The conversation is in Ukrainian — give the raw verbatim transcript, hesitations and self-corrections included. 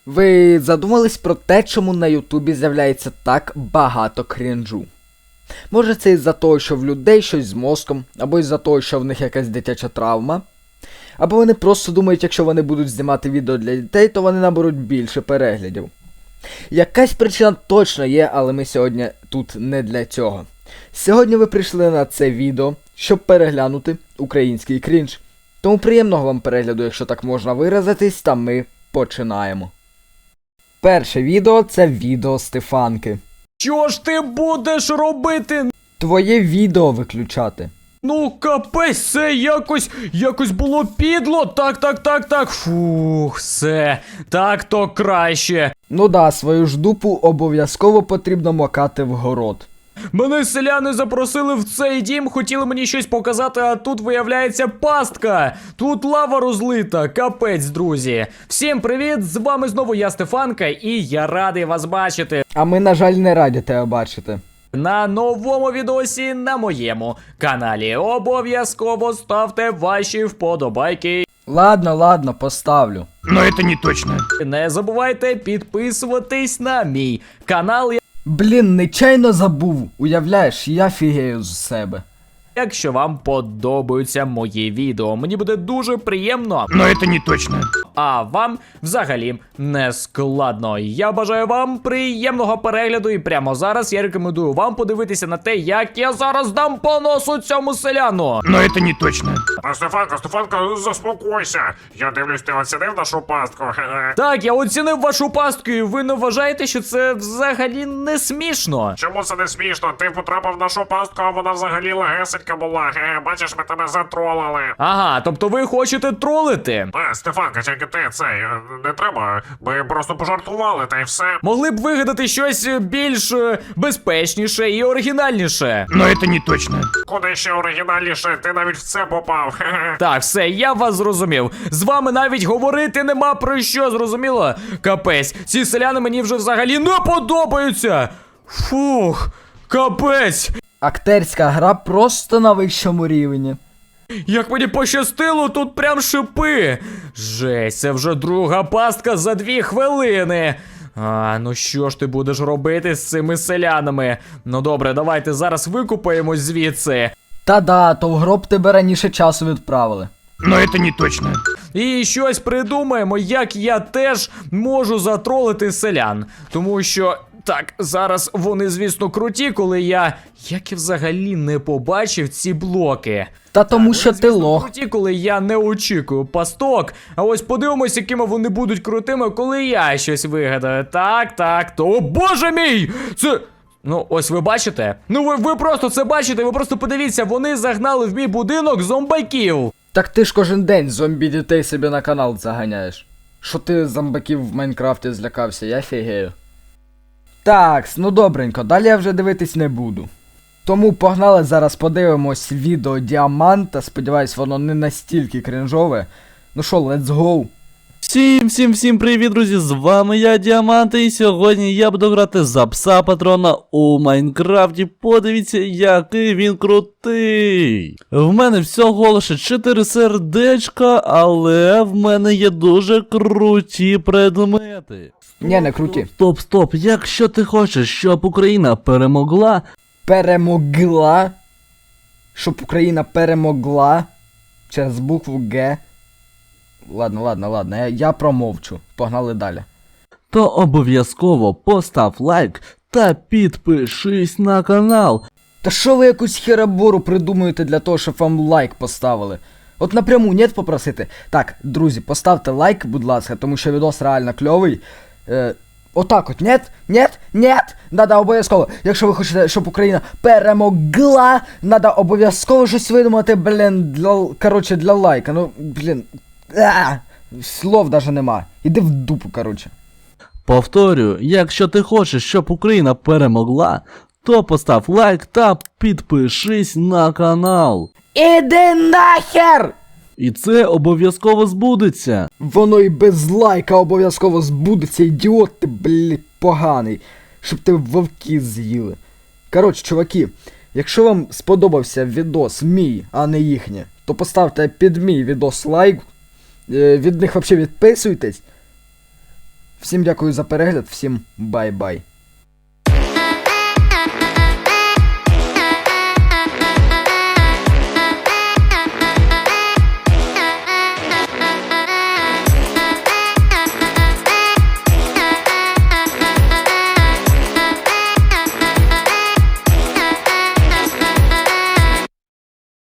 Ви задумались про те, чому на Ютубі з'являється так багато крінжу? Може це із-за того, що в людей щось з мозком, або із-за того, що в них якась дитяча травма, або вони просто думають, якщо вони будуть знімати відео для дітей, то вони наберуть більше переглядів. Якась причина точно є, але ми сьогодні тут не для цього. Сьогодні ви прийшли на це відео, щоб переглянути український крінж. Тому приємного вам перегляду, якщо так можна виразитись, та ми починаємо. Перше відео – це відео Стефанки. Що ж ти будеш робити? Твоє відео виключати. Ну капець, це якось, якось було підло. Так, так, так, так. Фух, все. Так то краще. Ну да, свою ж дупу обов'язково потрібно макати в город. Мене селяни запросили в цей дім, хотіли мені щось показати, а тут виявляється пастка. Тут лава розлита, капець, друзі. Всім привіт, з вами знову я, Стефанка, і я радий вас бачити. А ми, на жаль, не раді тебе бачити. На новому відосі на моєму каналі. Обов'язково ставте ваші вподобайки. Ладно, ладно, поставлю. Но это не точно. Не забувайте підписуватись на мій канал, Блін, нечайно забув. Уявляєш, я фігею з себе. якщо вам подобаються мої відео. Мені буде дуже приємно, Но это не точно. а вам взагалі не складно. Я бажаю вам приємного перегляду, і прямо зараз я рекомендую вам подивитися на те, як я зараз дам по носу цьому селяну. Но это не точно. А, Стефанка, Стефанка, заспокойся. Я дивлюсь, ти оцінив нашу пастку. Хе-хе. Так, я оцінив вашу пастку, і ви не вважаєте, що це взагалі не смішно? Чому це не смішно? Ти потрапив в нашу пастку, а вона взагалі легесенька була. Хе-хе. Бачиш, ми тебе затролили. Ага, тобто ви хочете тролити? А, Стефанка, тільки ти цей, е, не треба. Ми просто пожартували, та й все. Могли б вигадати щось більш е, безпечніше і оригінальніше. Но это не точно. Куди ще оригінальніше? Ти навіть в це попав. Хе-хе. Так, все, я вас зрозумів. З вами навіть говорити нема про що, зрозуміло? Капець, ці селяни мені вже взагалі не подобаються. Фух, капець. Актерська гра просто на вищому рівні. Як мені пощастило, тут прям шипи. Жесть, це вже друга пастка за дві хвилини. А, ну що ж ти будеш робити з цими селянами? Ну добре, давайте зараз викупаємось звідси. Та-да, то в гроб тебе раніше часу відправили. Но это не точно. І щось придумаємо, як я теж можу затролити селян. Тому що, так, зараз вони, звісно, круті, коли я... Як я взагалі не побачив ці блоки. Та тому що Вони, ти звісно, лох. круті, коли я не очікую пасток. А ось подивимось, якими вони будуть крутими, коли я щось вигадаю. Так, так, то... О, боже мій! Це... Ну, ось ви бачите? Ну ви, ви просто це бачите, ви просто подивіться, вони загнали в мій будинок зомбаків. Так ти ж кожен день зомбі дітей собі на канал заганяєш. Що ти зомбаків в Майнкрафті злякався, я фігею. Такс, ну добренько, далі я вже дивитись не буду. Тому погнали, зараз подивимось відео Діаманта, сподіваюсь воно не настільки крінжове. Ну що, let's go. Всім, всім, всім привіт, друзі, з вами я, Діамант, і сьогодні я буду грати за пса патрона у Майнкрафті. Подивіться, який він крутий. В мене всього лише чотири сердечка, але в мене є дуже круті предмети. Ні, не круті. Стоп, стоп, якщо ти хочеш, щоб Україна перемогла, Перемогла. Щоб Україна перемогла. Через букву Г. Ладно, ладно, ладно, я, я промовчу. Погнали далі. то обов'язково постав лайк та підпишись на канал. Та що ви якусь херабору придумуєте для того, щоб вам лайк поставили? От напряму нет попросити. Так, друзі, поставте лайк, будь ласка, тому що відос реально кльовий. Е, отак от, нет, нет, нет, надо обов'язково. Якщо ви хочете, щоб Україна перемогла, надо обов'язково щось видумати, блін, для, короче, для лайка. Ну, блін, а, слов даже нема. Іди в дупу, короче. Повторюю, якщо ти хочеш, щоб Україна перемогла, то постав лайк та підпишись на канал. Іди нахер! І це обов'язково збудеться. Воно і без лайка обов'язково збудеться, ідіот ти, блядь, поганий. Щоб ти вовки з'їли. Коротше, чуваки, якщо вам сподобався відос мій, а не їхнє, то поставте під мій відос лайк. Е, від них взагалі відписуйтесь. Всім дякую за перегляд, всім бай-бай.